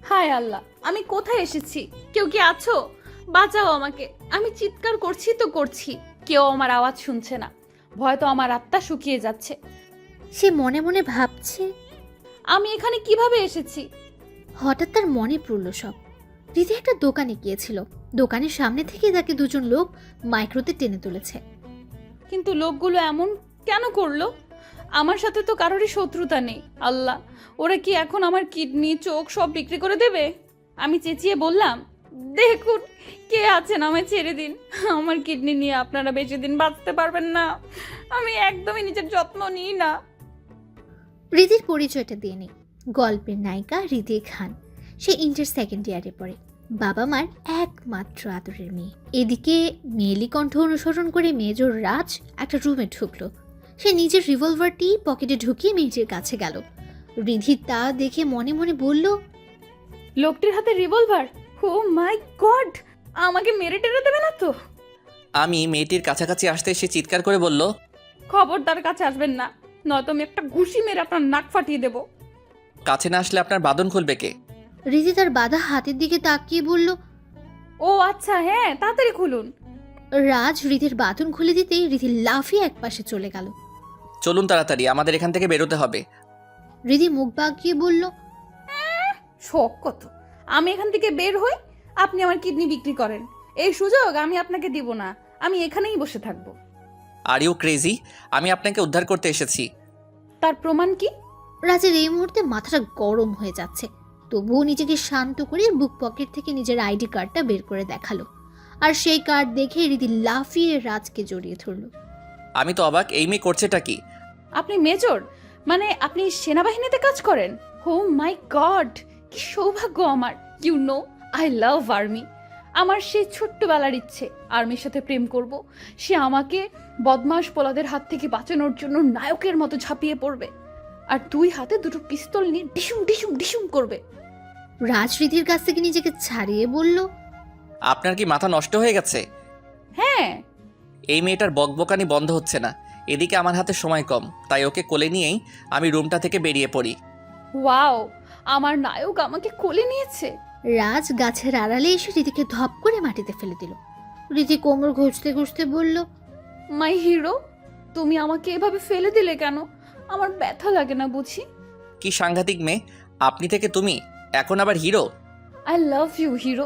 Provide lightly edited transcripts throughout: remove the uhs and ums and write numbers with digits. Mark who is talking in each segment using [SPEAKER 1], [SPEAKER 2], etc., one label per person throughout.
[SPEAKER 1] হায় আল্লাহ, আমি কোথায় এসেছি? কেউ কি আছো? বাঁচাও আমাকে। আমি চিৎকার করছি তো করছি, কেউ আমার আওয়াজ শুনছে না। ভয় তো আমার আত্মা শুকিয়ে যাচ্ছে।
[SPEAKER 2] সে মনে মনে ভাবছে।
[SPEAKER 1] আমি এখানে কিভাবে এসেছি?
[SPEAKER 2] হঠাৎ তার মনে পড়ল সব। রিধি একটা দোকানে গিয়েছিল, দোকানের সামনে থেকে তাকে দুজন লোক মাইক্রোতে টেনে তুলেছে।
[SPEAKER 1] কিন্তু লোকগুলো এমন কেন করলো? আমার সাথে তো কারোরই শত্রুতা নেই। আল্লাহ, ওরা কি এখন আমার কিডনি চোখ সব বিক্রি করে দেবে? আমি চেঁচিয়ে বললাম, দেখুন কে আছেন, আমায় ছেড়ে দিন। আমার কিডনি নিয়ে আপনারা বেশি দিন বাঁচতে পারবেন না। আমি একদমই নিজের যত্ন নিই না।
[SPEAKER 2] রিধির পরিচয়টা দিয়ে নেই। গল্পের নায়িকা রিধি খান। সে ইন্টার সেকেন্ড ইয়ারে পড়ে, বাবা মার একমাত্র আদরের মেয়ে। এদিকে মেয়েলি কণ্ঠ অনুসরণ করে মেজর রাজ একটা রুমে ঢুকলো। সে নিজের রিভলভারটি পকেটে ঢুকিয়ে মেয়েটির কাছে গেল। রিধি তা দেখে মনে মনে বলল,
[SPEAKER 1] লোকটির হাতে রিভলভার! O my god! আমাকে মেরে টেরে দেবে না তো?
[SPEAKER 3] আমি মেয়েটির কাছাকাছি আসতে সে চিৎকার করে বলল,
[SPEAKER 1] খবরদার কাছে আসবেন না, নয়তো আমি একটা ঘুষি মেরে আপনার নাক ফাটিয়ে দেবো।
[SPEAKER 3] কাছে না আসলে আপনার বাঁধন খুলবে কে?
[SPEAKER 2] রিধি তার বাঁধা হাতের দিকে তাকিয়ে বলল।
[SPEAKER 1] ও আচ্ছা, হ্যাঁ তাড়াতাড়ি খুলুন।
[SPEAKER 2] রাজ রিধির বাঁধন খুলে দিতেই রিধি লাফিয়ে একপাশে চলে গেল।
[SPEAKER 3] চলুন তাড়াতাড়ি, আমাদের এখান থেকে বেরোতে হবে।
[SPEAKER 2] রিধি মুখ বাঁকিয়ে বলল,
[SPEAKER 1] শখ কত! আমি এখান থেকে বের হই, আপনি আমার কিডনি বিক্রি করেন। এই সুযোগ আমি আপনাকে দিব না। আমি এখানেই বসে থাকবো।
[SPEAKER 3] Are you crazy? আমি আপনাকে উদ্ধার করতে এসেছি।
[SPEAKER 1] তার প্রমাণ কি?
[SPEAKER 2] রাজের এই মুহূর্তে মাথাটা গরম হয়ে যাচ্ছে, তবুও নিজেকে শান্ত করে বুক পকেট থেকে নিজের আইডি কার্ডটা বের করে দেখালো। আর সেই কার্ড দেখে রিধি লাফিয়ে রাজকে জড়িয়ে ধরল।
[SPEAKER 3] আমি তো অবাক, এই মেয়ে করছেটা কি?
[SPEAKER 1] আপনি মেজর, মানে আপনি সেনাবাহিনীতে কাজ করেন? ও মাই গড, কি সৌভাগ্য আমার! You know, I love army. আমার সেই ছোট্টবেলার ইচ্ছে আর্মির সাথে প্রেম করব। সে আমাকে বদমাশ পোলাদের হাত থেকে বাঁচানোর জন্য নায়কের মতো ঝাঁপিয়ে পড়বে, আর দুই হাতে দুটো পিস্তল নিয়ে ডিসুম ডিসুম ডিসুম করবে।
[SPEAKER 2] রাজ রিধির কাছ থেকে নিজেকে ছাড়িয়ে বলল,
[SPEAKER 3] আপনার কি মাথা নষ্ট হয়ে গেছে?
[SPEAKER 1] হ্যাঁ।
[SPEAKER 3] এই মেয়েটার বকবকানি বন্ধ হচ্ছে না। এদিকে আমার হাতে সময় কম, তাই ওকে কোলে নিয়েই আমি রুমটা থেকে বেরিয়ে পড়ি।
[SPEAKER 1] ওয়াও, আমার নায়ক আমাকে কোলে নিয়েছে।
[SPEAKER 2] রাজ গাছের আড়ালে এসে রিধিকে ধপ করে মাটিতে ফেলে দিল। রিধি কোমর ঘষতে ঘষতে বলল,
[SPEAKER 1] মাই হিরো, তুমি আমাকে এভাবে ফেলে দিলে কেন? আমার ব্যথা লাগে না বুঝি?
[SPEAKER 3] কি সাংঘাতিক মেয়ে! আপনি থেকে তুমি, এখন আবার hero?
[SPEAKER 1] I love you hero.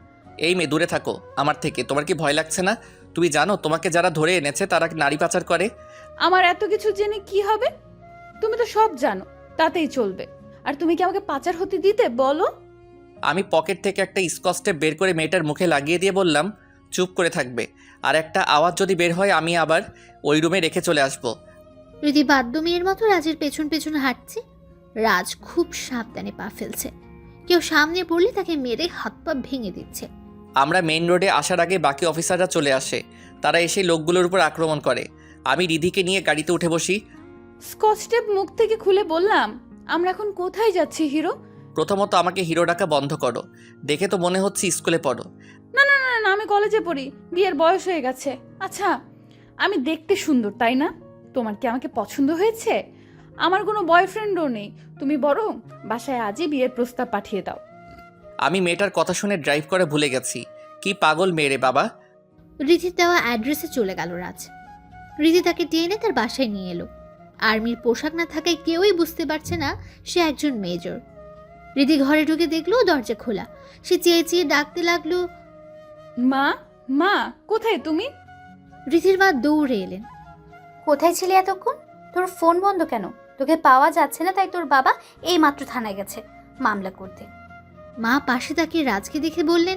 [SPEAKER 3] এই মেয়ে দূরে থাকো আমার থেকে। তোমার কি ভয় লাগছে না? তুমি জানো তোমাকে যারা ধরে এনেছে তারা নারী পাচার করে?
[SPEAKER 1] আমার এত কিছু জেনে কি হবে? তুমি তো সব জানো, তাতেই চলবে। আর তুমি কি আমাকে পাচার হতে দিতে বলো?
[SPEAKER 3] আমি পকেট থেকে একটা স্কচ টেপ বের করে মেয়েটার মুখে লাগিয়ে দিয়ে বললাম, চুপ করে থাকবে। আর একটা আওয়াজ যদি বের হয় আমি আবার ওই রুমে রেখে চলে আসব।
[SPEAKER 2] রিধি বাদ্য মেয়ের মতো রাজের পেছন পেছন হাঁটছে। রাজ খুব সাবধানে পা ফেলছে। কেউ সামনে পড়লে তাকে মেরে হাত পা ভেঙে দিচ্ছে।
[SPEAKER 3] আমরা মেইন রোডে আসার আগে বাকি অফিসাররা চলে আসে। তারা এসে লোকগুলোর উপর আক্রমণ করে। আমি রিধিকে নিয়ে গাড়িতে উঠে বসি।
[SPEAKER 1] স্কচ টেপ মুখ থেকে খুলে বললাম, আমরা এখন কোথায় যাচ্ছি হিরো?
[SPEAKER 3] প্রথমত আমাকে হিরো ডাকা বন্ধ করো। দেখে তো মনে হচ্ছে স্কুলে পড়ো।
[SPEAKER 1] না না না না, আমি কলেজে পড়ি, বিয়ের বয়স হয়ে গেছে। আচ্ছা, আমি দেখতে সুন্দর তাই না? তোমার কি আমাকে পছন্দ হয়েছে? আমার কোনো বয়ফ্রেন্ডও নেই। তুমি বরং বাসায় আজই বিয়ের প্রস্তাব পাঠিয়ে দাও।
[SPEAKER 3] আমি মেয়েটার কথা শুনে ড্রাইভ করে ভুলে গেছি। কি পাগল মেয়ে রে বাবা!
[SPEAKER 2] রিধির দেওয়া অ্যাড্রেসে চলে গেল রাজ। রিধি তাকে টেনে তার বাসায় নিয়ে এলো। আর্মির পোশাক না থাকায় কেউই বুঝতে পারছে না সে একজন মেজর। রিধি ঘরে ঢুকে দেখলো দরজা খোলা। সে চেয়ে চেয়ে ডাকতে লাগলো,
[SPEAKER 1] মা, মা কোথায় তুমি?
[SPEAKER 2] রিধির মা দৌড়ে এলেন।
[SPEAKER 4] কোথায় ছিলি এতক্ষণ? তোর ফোন বন্ধ কেন? তোকে পাওয়া যাচ্ছে না, তাই তোর বাবা এই মাত্র থানায় গেছে মামলা করতে।
[SPEAKER 2] মা পাশে তাকিয়ে রাজকে দেখে বললেন,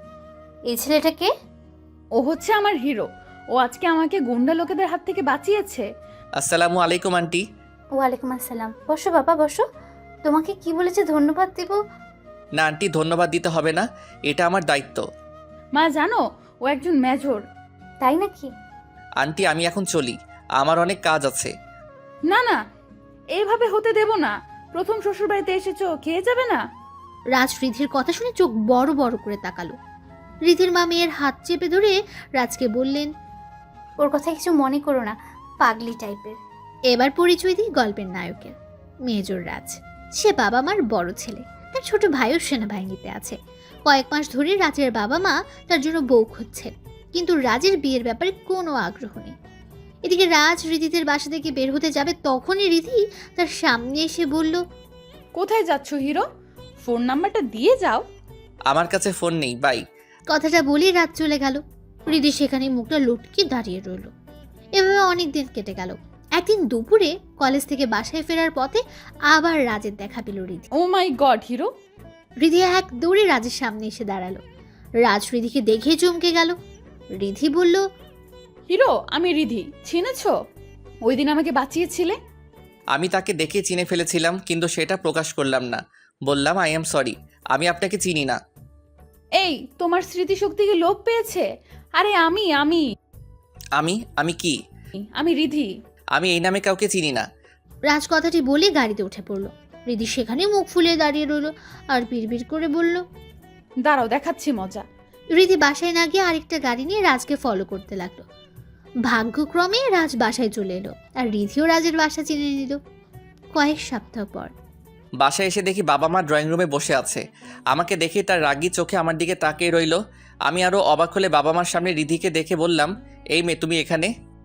[SPEAKER 4] এই ছেলেটা কে?
[SPEAKER 1] ও হচ্ছে আমার হিরো। ও আজকে আমাকে গুন্ডা লোকেদের হাত থেকে বাঁচিয়েছে।
[SPEAKER 3] আসসালামু আলাইকুম আন্টি।
[SPEAKER 4] ওয়ালাইকুম আসসালাম। বসো বাবা বসো। তোমাকে কি বলেছে ধন্যবাদ দেব?
[SPEAKER 3] না আন্টি, ধন্যবাদ দিতে হবে না, এটা আমার দায়িত্ব।
[SPEAKER 1] মা জানো, ও একজন মেজর।
[SPEAKER 4] তাই নাকি?
[SPEAKER 3] আন্টি আমি এখন চলি, আমার অনেক কাজ আছে।
[SPEAKER 1] না না, এইভাবে হতে দেব না। প্রথম শ্বশুরবাড়িতে এসেছো, খেয়ে যাবে না?
[SPEAKER 2] রাজ রিধির কথা শুনে চোখ বড় বড় করে তাকালো। রিধির মা মেয়ের হাত চেপে ধরে রাজকে বললেন,
[SPEAKER 4] ওর কথা কিছু মনে করো না, পাগলি টাইপের।
[SPEAKER 2] এবার পরিচয় দিই গল্পের নায়কের। মেজর রাজ। সে বাবা মার বড় ছেলে। তার ছোট ভাইও সেনাবাহিনীতে আছে। কয়েক মাস ধরে রাজের বাবা মা তার জন্য বউ খুঁজছেন, কিন্তু রাজের বিয়ের ব্যাপারে কোনো আগ্রহ নেই। এদিকে রাজ রিধিদের বাসা থেকে বের হতে যাবে, তখনই রিধি তার সামনে এসে বলল,
[SPEAKER 1] কোথায় যাচ্ছ হিরো? ফোন নাম্বারটা দিয়ে যাও।
[SPEAKER 3] আমার কাছে ফোন নেই, বাই।
[SPEAKER 2] কথাটা বলেই রাত চলে গেল। রিধি সেখানে মুখটা লটকে দাঁড়িয়ে রইল। এভাবে অনেক দিন কেটে গেল। একদিন দুপুরে কলেজ থেকে বাসায় ফেরার পথে আবার রাজের দেখা পেল Ridhi.
[SPEAKER 1] Oh my God hero!
[SPEAKER 2] Ridhi এক দৌড়ে রাজের সামনে এসে দাঁড়ালো। রাজ রিধিকে দেখে চমকে গেল। রিধি বলল,
[SPEAKER 1] হিরো, আমি রিধি, চিনেছ? ওই দিন আমাকে বাঁচিয়েছিলে।
[SPEAKER 3] আমি তাকে দেখে চিনে ফেলেছিলাম, কিন্তু সেটা প্রকাশ করলাম না। বললাম আই এম সরি, আমি আপনাকে চিনি না।
[SPEAKER 1] এই, তোমার স্মৃতিশক্তি কি লোপ পেয়েছে? আরে আমি আমি
[SPEAKER 3] আমি আমি কি?
[SPEAKER 1] আমি রিধি।
[SPEAKER 3] আমি এই নামে কাউকে চিনি না।
[SPEAKER 2] রাজ কথাটি বলে গাড়িতে উঠে পড়ল। রিধি সেখানে মুখ ফুলিয়ে দাঁড়িয়ে রইল আর বিড়বিড় করে বলল,
[SPEAKER 1] দাঁড়াও, দেখাচ্ছি মজা।
[SPEAKER 2] রিধি বাসায় না গিয়ে আরেকটা গাড়ি নিয়ে রাজকে ফলো করতে লাগলো। ভাগ্যক্রমে রাজ বাসায় চলে এলো আর রিধিও রাজের বাসা চিনে নিল। কয়েক সপ্তাহ পর
[SPEAKER 3] বাসায় এসে দেখি বাবা মা ড্রয়িং রুমে বসে আছে। আমাকে দেখে তার রাগী চোখে আমার দিকে তাকিয়ে রইল। আমি আরও অবাক হলে বাবা মার সামনে রিধিকে দেখে বললাম, এই মেয়ে তুমি এখানে?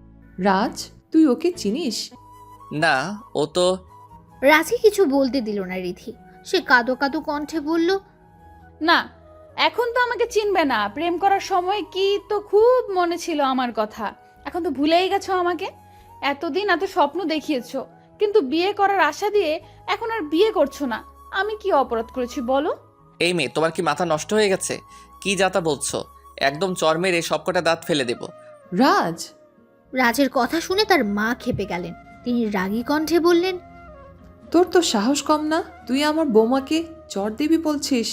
[SPEAKER 5] রাজ, তুই ওকে চিনিস?
[SPEAKER 3] না, ও তো।
[SPEAKER 2] রাজকে কিছু বলতে দিল না রিধি। সে কাঁদো কাঁদো কণ্ঠে বলল,
[SPEAKER 1] না, এখন তো আমাকে চিনবে না। প্রেম করার সময় কি তো খুব মনে ছিল আমার কথা। এখন তো ভুলেই গেছো আমাকে। এতদিন এত স্বপ্ন দেখিয়েছো, কিন্তু বিয়ে করার আশা দিয়ে এখন আর বিয়ে করছো না। আমি কি অপরাধ করেছি বলো?
[SPEAKER 3] এই মেয়ে, তোমার কি মাথা নষ্ট হয়ে গেছে? কি যাতা বলছো? একদম চর মেরে সবকটা দাঁত ফেলে দেব।
[SPEAKER 5] রাজ!
[SPEAKER 2] রাজের কথা শুনে তার মা ক্ষেপে গেলেন। তিনি রাগী কণ্ঠে বললেন,
[SPEAKER 5] তোর তো সাহস কম না? তুই আমার বৌমাকে চর দিবি বলছিস?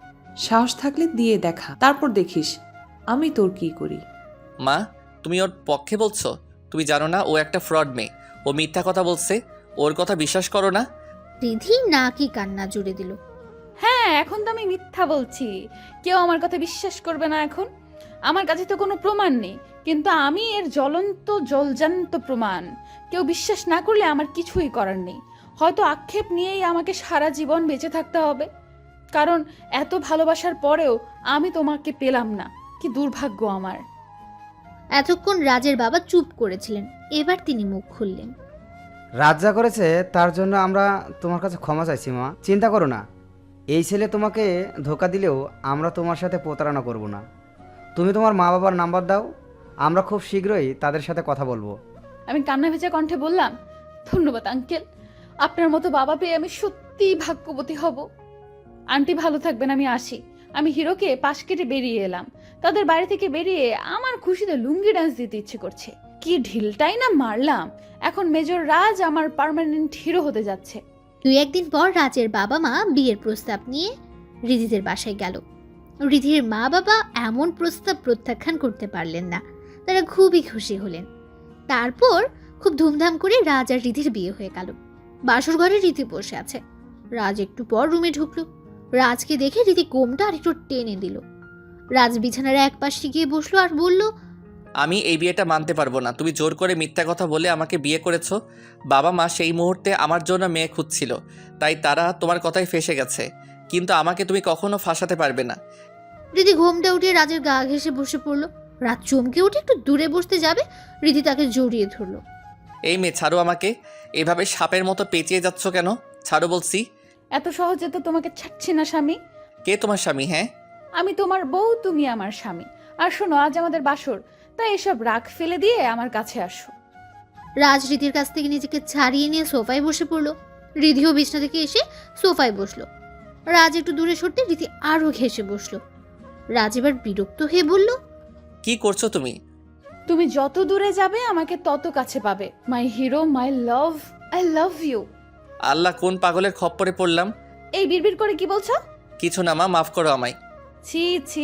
[SPEAKER 5] সাহস থাকলে দিয়ে দেখা, তারপর দেখিস আমি তোর কি করি।
[SPEAKER 3] মা, তুমি ওর পক্ষে বলছো? তুমি জানো না ও একটা ফ্রড মেয়ে। ও মিথ্যা কথা বলছে। ওর কথা বিশ্বাস করো না।
[SPEAKER 2] রিধি না কি কান্না জুড়ে দিল।
[SPEAKER 1] হ্যাঁ, এখন তো আমি মিথ্যা বলছি। কেউ আমার কথা বিশ্বাস করবে না এখন। আমার কাছে তো কোনো প্রমাণ নেই, কিন্তু আমি এর জ্বলন্ত জলজান্ত প্রমাণ। কেউ বিশ্বাস না করলে আমার কিছুই করার নেই। হয়তো আক্ষেপ নিয়েই আমাকে সারা জীবন বেঁচে থাকতে হবে, কারণ এত ভালোবাসার পরেও আমি তোমাকে পেলাম না। কি দুর্ভাগ্য আমার।
[SPEAKER 2] এতক্ষণ রাজের বাবা চুপ করেছিলেন। এবার তিনি মুখ খুললেন।
[SPEAKER 6] রাজ যা করেছে তার জন্য আমরা তোমার কাছে ক্ষমা চাইছি মা। চিন্তা করো না, এই ছেলে তোমাকে ধোকা দিলেও আমরা তোমার সাথে প্রতারণা করব না। তুমি তোমার মা বাবার নাম্বার দাও, আমরা খুব শীঘ্রই তাদের সাথে কথা বলবো।
[SPEAKER 1] আমি কান্না ভেজা কণ্ঠে বললাম, ধন্যবাদ আঙ্কেল। আপনার মতো বাবা পেয়ে আমি সত্যিই ভাগ্যবতী হব। আন্টি ভালো থাকবেন, আমি আসি। আমি হিরোকে পাশ কেটে বেরিয়ে এলাম। তাদের বাড়ি থেকে বেরিয়ে আমার খুশিতে লুঙ্গি ডান্স দিতে ইচ্ছে করছে। কি ঢিলটাই না মারলাম। এখন মেজর রাজ আমার পার্মানেন্ট হিরো হতে যাচ্ছে।
[SPEAKER 2] 2 একদিন পর রাজের বাবা মা বিয়ের প্রস্তাব নিয়ে রিধিদের বাসায় গেল। রিধির মা বাবা এমন প্রস্তাব প্রত্যাখ্যান করতে পারলেন না। তারা খুবই খুশি হলেন। তারপর খুব ধুমধাম করে রাজ আর রিধির বিয়ে হয়ে গেল। বাসর ঘরে রিধি বসে আছে। রাজ একটু পর রুমে ঢুকলো। রাজকে দেখে রিধি কোমটা আর একটু টেনে দিল। রাজ বিছানার এক পাশে গিয়ে বসলো আর বলল,
[SPEAKER 3] আমি এই বিয়েটা মানতে পারবো না। তুমি জোর করে মিথ্যা কথা বলে আমাকে বিয়ে করেছো। বাবা মা সেই মুহূর্তে আমার জন্য মেয়ে খুঁজছিল, তাই তারা তোমার কথায় ফেঁসে গেছে, কিন্তু আমাকে তুমি কখনো ফাঁসাতে পারবে না।
[SPEAKER 2] রিধি ঘোমটা উঠিয়ে রাজের গা ঘেঁষে বসে পড়লো। রাজ চমকে উঠে একটু দূরে বসতে যাবে, রিধি তাকে জড়িয়ে ধরলো।
[SPEAKER 3] এই মেয়ে, ছাড়ো আমাকে। এভাবে সাপের মতো পেঁচিয়ে যাচ্ছ কেন? ছাড়ো বলছি।
[SPEAKER 1] এত সহজে তো তোমাকে ছাড়ছি না স্বামী।
[SPEAKER 3] কে তোমার স্বামী? হ্যাঁ,
[SPEAKER 1] আমি তোমার বউ, তুমি আমার স্বামী। আর শোনো, আজ আমাদের বাসর, তাই এসব রাগ ফেলে দিয়ে আমার কাছে আসো।
[SPEAKER 2] রাজ রিধির কাছ থেকে নিজেকে ছাড়িয়ে নিয়ে সোফায় বসে পড়লো। রিধিও বিছনা থেকে এসে সোফায় বসলো। রাজ একটু দূরে সরতে রিধি আরো ঘেঁষে বসলো। রাজ এবার বিরক্ত হয়ে বলল,
[SPEAKER 3] কি করছো তুমি?
[SPEAKER 1] তুমি যত দূরে যাবে আমাকে তত কাছে পাবে। My hero, my love, I love you.
[SPEAKER 3] Allah, কোন পাগলের খপ্পরে পড়লাম?
[SPEAKER 1] এই বিড়বিড় করে কি বলছো?
[SPEAKER 3] কিছু না মা, মাফ করো আমায়।
[SPEAKER 1] ছি ছি,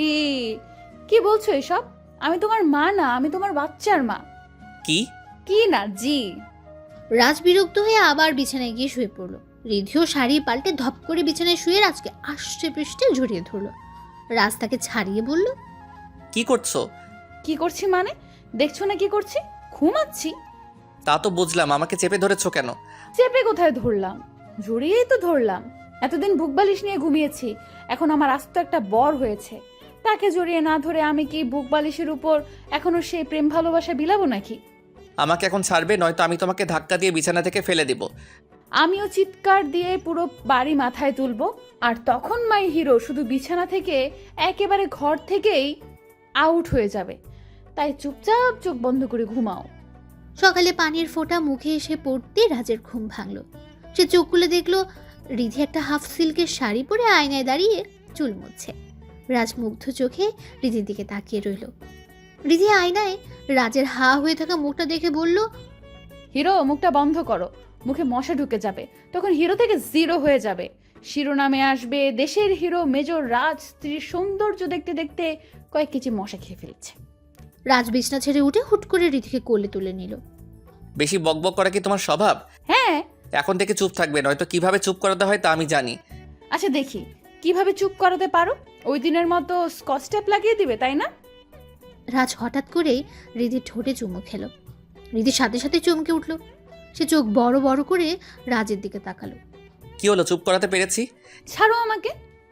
[SPEAKER 1] কি বলছো এসব? আমি তোমার মা না, আমি তোমার বাচ্চার মা।
[SPEAKER 3] কি?
[SPEAKER 1] কি না জি।
[SPEAKER 2] রাজ বিরক্ত হয়ে আবার বিছানায় গিয়ে শুয়ে পড়লো। রিধিও শাড়ি পাল্টে ধপ করে বিছানায় শুয়ে রাজকে আষ্টে পৃষ্ঠে জড়িয়ে ধরলো। রাজ তাকে ছাড়িয়ে বলল,
[SPEAKER 3] কি করছো?
[SPEAKER 1] কি করছি মানে? দেখছো না কি করছি? ঘুমাচ্ছি।
[SPEAKER 3] তা তো বুঝলাম, আমাকে চেপে ধরেছো কেন?
[SPEAKER 1] চেপে কোথায় ধরলাম? জড়িয়েই তো ধরলাম। এতদিন বুক বালিশ নিয়ে ঘুমিয়েছি, এখন আমার আস্ত একটা বর হয়েছে। তাকে জড়িয়ে না ধরে আমি কি বুক বালিশের উপর এখনো সেই প্রেম ভালোবাসা বিলাবো নাকি?
[SPEAKER 3] আমাকে এখন ছাড়বে, নয়তো আমি তোমাকে ধাক্কা দিয়ে বিছানা থেকে ফেলে দিব।
[SPEAKER 1] আমিও চিৎকার দিয়ে পুরো বাড়ি মাথায় তুলবো, আর তখন মাই হিরো শুধু বিছানা থেকে একেবারে ঘর থেকেই আউট হয়ে যাবে। তাই চুপচাপ চোখ বন্ধ করে ঘুমাও।
[SPEAKER 2] সকালে পানির ফোঁটা মুখে এসে পড়তে রাজের ঘুম ভাঙল। সে চোখ খুলে দেখলো রিধি একটা হাফ সিল্কের শাড়ি পরে আয়নায় দাঁড়িয়ে চুল মুছছে। রাজ মুগ্ধ চোখে রিধির দিকে তাকিয়ে রইল। রিধি আয়নায় রাজের হা হয়ে থাকা মুখটা দেখে বলল,
[SPEAKER 1] হিরো, মুখটা বন্ধ করো, মুখে মশা ঢুকে যাবে, তখন হিরো থেকে জিরো হয়ে যাবে। শিরোনামে আসবে দেশের হিরো মেজর রাজ স্ত্রীর সৌন্দর্য দেখতে দেখতে কয়েক কেজি মশা খেয়ে ফেলছে।
[SPEAKER 2] রাজ বিছনা ছেড়ে উঠে হুট করে রিধিকে কোলে তুলে নিল।
[SPEAKER 3] বেশি বকবক করা কি তোমার স্বভাব?
[SPEAKER 1] হ্যাঁ।
[SPEAKER 3] এখন থেকে চুপ থাকবে, নয়তো কিভাবে চুপ করাতে হয় তা আমি জানি।
[SPEAKER 1] আচ্ছা দেখি কিভাবে চুপ করাতে পারো। ওই দিনের মতো স্কচ টেপ লাগিয়ে দিবে, তাই না?
[SPEAKER 2] রাজ হঠাৎ করেই রিধির ঠোঁটে চুমু খেল। রিধির সাথে সাথে চমকে উঠল। সে চোখ বড় বড় করে রাজের দিকে তাকালো।
[SPEAKER 3] কি হলো, চুপ করাতে পেরেছি?
[SPEAKER 1] ছাড়ো আমাকে।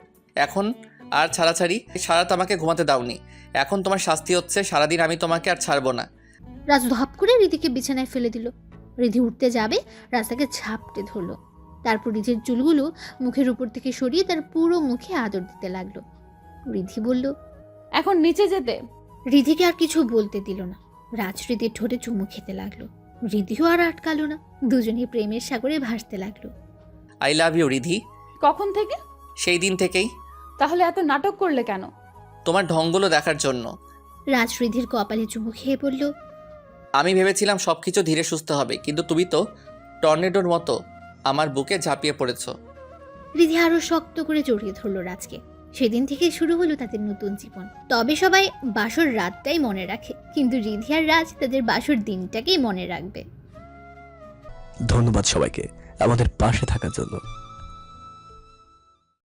[SPEAKER 3] এখন আর ছাড়াছাড়ি? সারা রাত আমাকে ঘুমাতে দাওনি, এখন তোমার শাস্তি হচ্ছে। সারাদিন আমি তোমাকে আর ছাড়বো না।
[SPEAKER 2] রাজ ধপ করে রিধিকে বিছানায় ফেলে দিল। রিধি উঠতে যাবে, রাজ তাকে ঝাপটে ধরলো। তারপর রিধির চুলগুলো মুখের উপর থেকে সরিয়ে তার পুরো মুখে আদর দিতে লাগলো। রিধি বলল,
[SPEAKER 1] এখন নিচে যেতে।
[SPEAKER 2] রিধিকে আর কিছু বলতে দিল না। রাজ রিধির ঠোঁটে চুমু খেতে লাগলো। রিধিও আর আটকালো না, দুজনেই প্রেমের সাগরে ভাসতে লাগলো।
[SPEAKER 3] I love you Ridhi.
[SPEAKER 1] কখন থেকে?
[SPEAKER 3] সেই দিন থেকেই।
[SPEAKER 1] তাহলে এত নাটক করলে কেন?
[SPEAKER 3] তোমার ঢঙ্গগুলো দেখার জন্য।
[SPEAKER 2] রাজ রিধির কপালে চুমু খেয়ে বলল,
[SPEAKER 3] আমি ভেবেছিলাম সব কিছু ধীরে সুস্থ হবে, কিন্তু তুমি তো টর্নেডোর মতো আমার বুকে ঝাঁপিয়ে পড়েছো।
[SPEAKER 2] রিধি আরো শক্ত করে জড়িয়ে ধরলো রাজকে। সেদিন থেকে শুরু হলো তাদের নতুন জীবন। তবে সবাই বাসর রাতটাই মনে রাখে, কিন্তু রিধি আর রাজ তাদের বাসর দিনটাকেই মনে রাখবে।
[SPEAKER 7] ধন্যবাদ সবাইকে আমাদের পাশে থাকার জন্য।